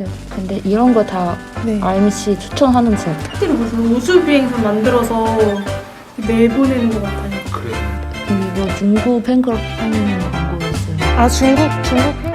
네, 근데 이런 거 다 네. RMC 추천하는 책. 실제로 무슨 우주 비행선 만들어서 내보내는 것 같아요. 그래. 이거 중국 팬클럽 하는 광고였어요. 아, 중국 팬클럽.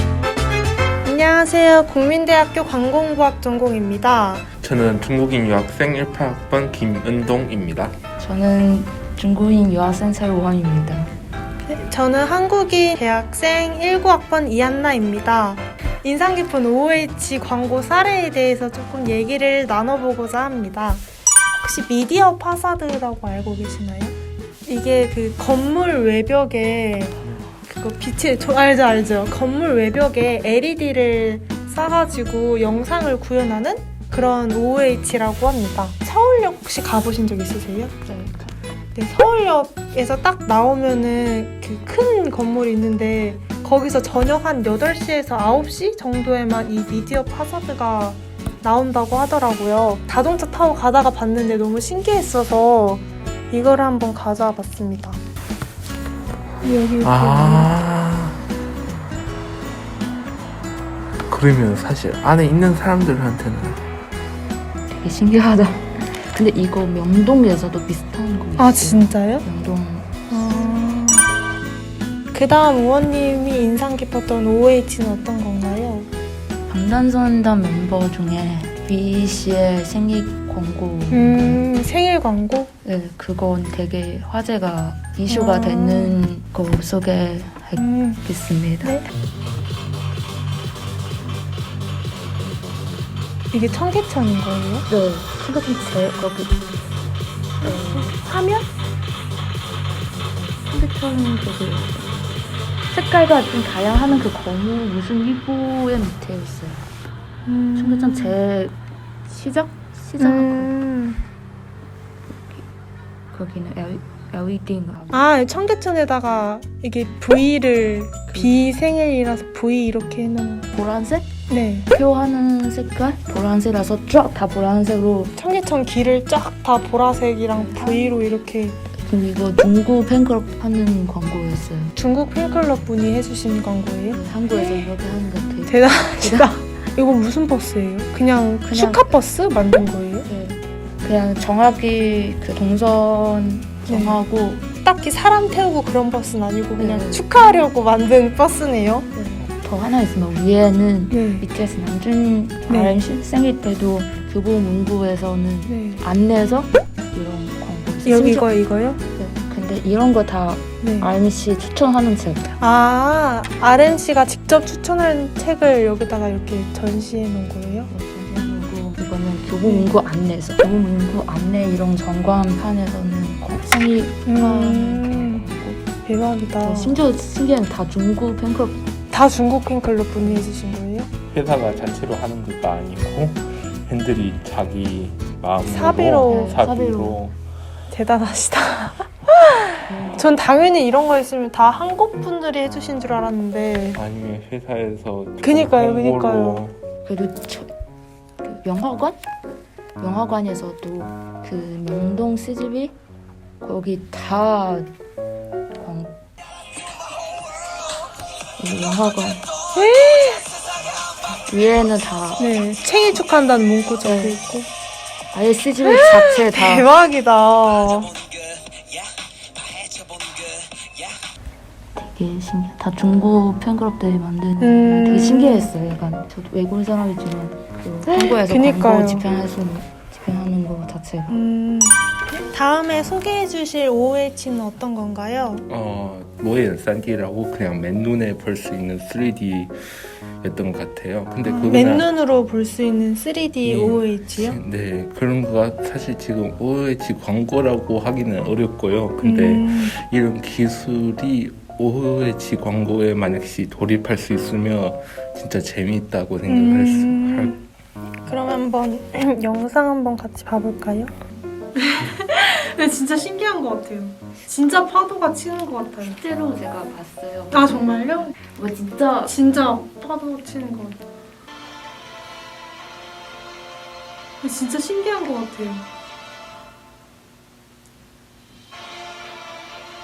안녕하세요. 국민대학교 관공부학 전공입니다. 저는 중국인 유학생 18학번 김은동입니다. 저는 중국인 유학생 설원입니다. 저는 한국인 대학생 19학번 이한나입니다. 인상 깊은 OH 광고 사례에 대해서 조금 얘기를 나눠보고자 합니다. 혹시 미디어 파사드라고 알고 계시나요? 이게 그 건물 외벽에 그거 빛이 알죠. 건물 외벽에 LED를 싸가지고 영상을 구현하는 그런 OH라고 합니다. 서울역 혹시 가보신 적 있으세요? 네, 서울역에서 딱 나오면은 그 큰 건물이 있는데 거기서 저녁 한 8시에서 9시 정도에만 이 미디어 파사드가 나온다고 하더라고요. 자동차 타고 가다가 봤는데 너무 신기했어서 이걸 한번 가져와 봤습니다. 여기 그러면 사실 안에 있는 사람들한테는 되게 신기하다. 근데 이거 명동에서도 비슷한 거 있어요. 아, 진짜요? 명동. 그 다음 의원님이 인상 깊었던 OH는 어떤 건가요? 방탄소년단 멤버 중에 V 씨의 생일 광고. 생일 광고? 네, 그건 되게 화제가 이슈가 되는 거 소개하겠습니다. 네. 이게 청계천인 거예요? 네, 생각이 제일 거기 화면? 핸드폰 저기 색깔과 좀 다양한 그 건물 무슨 일부의 밑에 있어요. 청계천 제 시작 거기는 LED인가. 아, 청계천에다가 이게 V를 비생일이라서 V 이렇게 해놓은. 보라색? 네. 표하는 색깔? 보라색이라서 쫙 다 보라색으로. 청계천 길을 쫙 다 보라색이랑 V로 이렇게. 그리고 이거 중국 팬클럽 하는 광고였어요. 중국 팬클럽 분이 해주신 광고예요? 네, 한국에서 이렇게 하는 것 같아요. 대단하시다. 이거 무슨 버스예요? 그냥 슈카버스 만든 거예요? 네, 그냥 정확히 그 동선 정하고 딱히 사람 태우고 그런 버스는 아니고 그냥 네. 축하하려고 만든 버스네요. 더 하나 있으면 위에는 네. BTS 남준 네. RM 생일 때도 교보문고에서는 네. 안내서 이런 광고. 여기 이거요? 네, 근데 이런 거 다 네. RMC 추천하는 책. 아, RMC가 직접 추천한 책을 여기다가 이렇게 전시해 놓은 거예요? 그리고 이거는 교보문고 안내서. 교보문고 안내 이런 전광판에서는 생일 축하하는 광고. 대박이다. 심지어 신기한 다 중국 팬클럽. 다 중국 팬클럽 분이 해주신 거예요? 회사가 자체로 하는 것도 아니고 팬들이 자기 사비로. 마음으로 사비로 대단하시다. 전 당연히 이런 거 있으면 다 한국 분들이 해주신 줄 알았는데. 아니면 회사에서 그니까요. 그리고 그 영화관에서도 그 명동 CGV 거기 다 광고. 이 영화관 위에는 다 네, 생일 축하한다는 문구 적혀 네. 있고. 아예 CGV 자체 다 대박이다. 되게 신기해. 다 중국 팬클럽들이 만드는 되게 신기했어요. 약간 저도 외국 사람이지만 그 한국에서 그니까요. 광고 집행하는 거 자체가. 다음에 소개해 주실 OH는 어떤 건가요? 모엔 3D라고 그냥 맨눈에 볼 수 있는 3D였던 것 같아요. 근데 그거는 맨눈으로 볼 수 있는 3D 예. OH요? 네, 그런 거가 사실 지금 OH 광고라고 하기는 어렵고요. 근데 이런 기술이 OH 광고에 만약시 돌입할 수 있으면 진짜 재미있다고 생각할 그럼 한번 영상 한번 같이 봐볼까요? 근데 진짜 신기한 것 같아요. 진짜 파도가 치는 것 같아요. 실제로 제가 봤어요. 아, 정말요? 뭐 진짜 파도 치는 것 같아요. 진짜 신기한 것 같아요.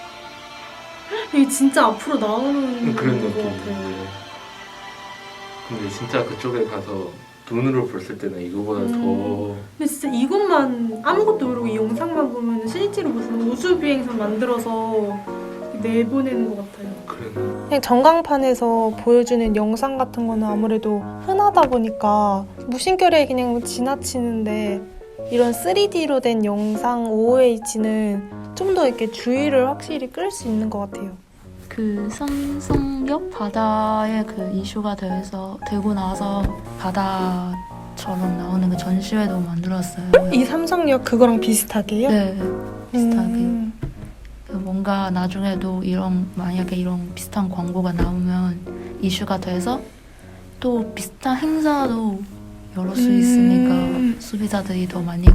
이게 진짜 앞으로 나오는 그런 것 느낌이에요. 같아요. 근데 진짜 그쪽에 가서 눈으로 봤을 때는 이거보다 더 근데 진짜 이것만 아무것도 모르고 이 영상만 보면 실제로 무슨 우주비행선 만들어서 내보내는 것 같아요. 그런 그냥 전광판에서 보여주는 영상 같은 거는 아무래도 흔하다 보니까 무심결에 그냥 지나치는데 이런 3D로 된 영상 OOH는 좀 더 이렇게 주의를 확실히 끌 수 있는 것 같아요. 그 삼성역 바다에 그 이슈가 되고 나서 바다처럼 나오는 그 전시회도 만들었어요. 이 삼성역 그거랑 비슷하게요? 네, 비슷하게. 음. 뭔가 나중에도 만약에 이런 비슷한 광고가 나오면 이슈가 돼서 또 비슷한 행사도 열을 수 있으니까 소비자들이 더 많이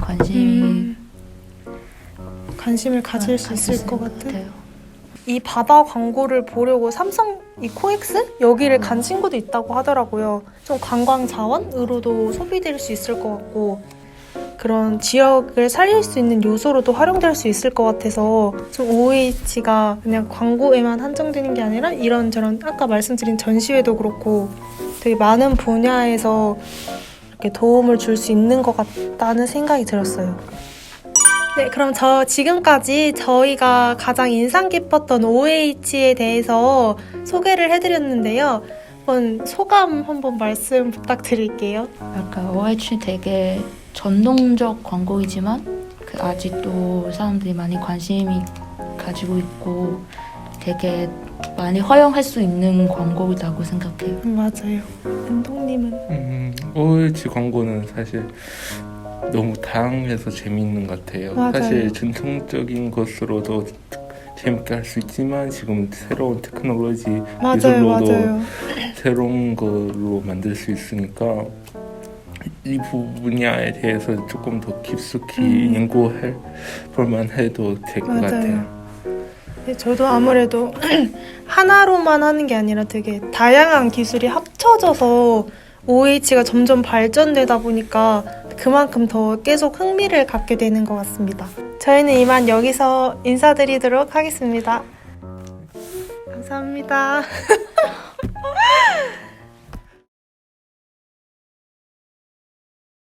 관심을 가질 수 있을 것 같아요. 같아요. 이 바다 광고를 보려고 삼성 이 코엑스 여기를 간 친구도 있다고 하더라고요. 좀 관광 자원으로도 소비될 수 있을 것 같고 그런 지역을 살릴 수 있는 요소로도 활용될 수 있을 것 같아서 좀 OOH가 그냥 광고에만 한정되는 게 아니라 이런저런 아까 말씀드린 전시회도 그렇고 되게 많은 분야에서 이렇게 도움을 줄 수 있는 것 같다는 생각이 들었어요. 네, 그럼 지금까지 저희가 가장 인상 깊었던 OOH에 대해서 소개를 해드렸는데요. 소감 한번 말씀 부탁드릴게요. 약간 OH 되게 전통적 광고이지만 아직도 사람들이 많이 관심이 가지고 있고 되게 많이 허용할 수 있는 광고이라고 생각해요. 맞아요. 은동님은? OH 광고는 사실 너무 다양해서 재미있는 것 같아요. 맞아요. 사실 전통적인 것으로도 재밌게 할 수 있지만 지금 새로운 테크놀로지 기술로도 새로운 걸로 만들 수 있으니까 이 분야에 대해서 조금 더 깊숙이 연구할 볼만 해도 될 것 같아요. 네, 저도 아무래도 하나로만 하는 게 아니라 되게 다양한 기술이 합쳐져서 OOH가 점점 발전되다 보니까 그만큼 더 계속 흥미를 갖게 되는 것 같습니다. 저희는 이만 여기서 인사드리도록 하겠습니다. 감사합니다.